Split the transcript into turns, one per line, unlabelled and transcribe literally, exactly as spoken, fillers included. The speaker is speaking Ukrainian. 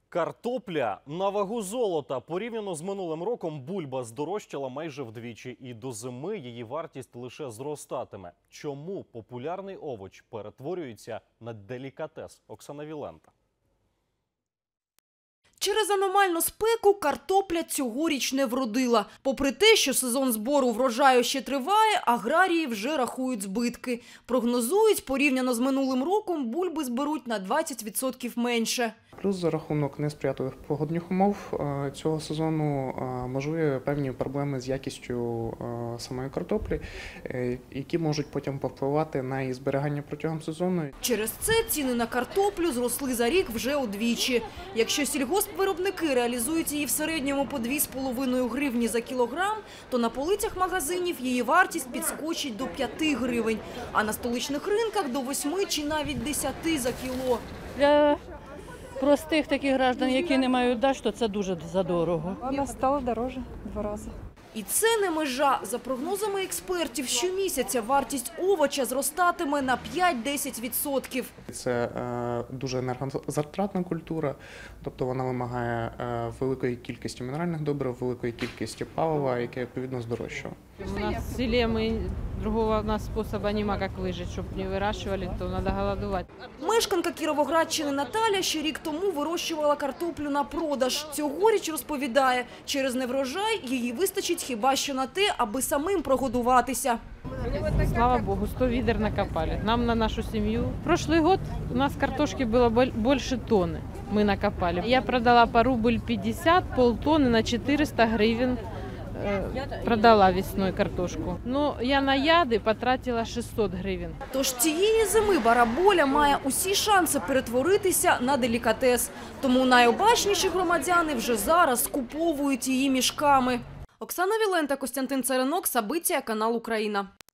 Картопля на вагу золота. Порівняно з минулим роком бульба здорожчала майже вдвічі. І до зими її вартість лише зростатиме. Чому популярний овоч перетворюється на делікатес? Оксана Вілента.
Через аномальну спеку картопля цьогоріч не вродила. Попри те, що сезон збору врожаю ще триває, аграрії вже рахують збитки. Прогнозують, порівняно з минулим роком бульби зберуть на двадцять відсотків менше.
Плюс за рахунок несприятливих погодних умов цього сезону можливі певні проблеми з якістю самої картоплі, які можуть потім повпливати на її зберігання протягом сезону.
Через це ціни на картоплю зросли за рік вже удвічі. Якщо сільгоспвиробники реалізують її в середньому по дві з половиною гривні за кілограм, то на полицях магазинів її вартість підскочить до п'яти гривень, а на столичних ринках до восьми чи навіть десяти за кіло.
Для простих таких граждан, які не мають дачу, то це дуже задорого.
Вона стала дороже два рази.
І це не межа. За прогнозами експертів, щомісяця вартість овоча зростатиме на п'ять-десять відсотків.
Це е, дуже енергозатратна культура, тобто вона вимагає е, великої кількості мінеральних добрив, великої кількості палива, яке відповідно здорожчало.
У нас в селе мы другого у нас способа нема, как выжить, чтобы не выращивали, то надо голодовать.
Мешканка Кіровоградщини Наталя ще рік тому вирощувала картоплю на продаж. Цьогоріч, розповідає, через неврожай її вистачить хіба що на те, аби самим прогодуватися.
Слава Богу, сто відер накопали. Нам на нашу семью. Прошлый год у нас картошки было больше тонны. Мы накопали. Я продала по рубль пятьдесят, полтонны на четыреста гривен. Продала весною картошку. Ну, я на яди потратила шістсот гривень.
Тож цієї зими бараболя має усі шанси перетворитися на делікатес. Тому найобачніші громадяни вже зараз скуповують її мішками. Оксана Вілента, Костянтин Царинок, Сабиття, канал Україна.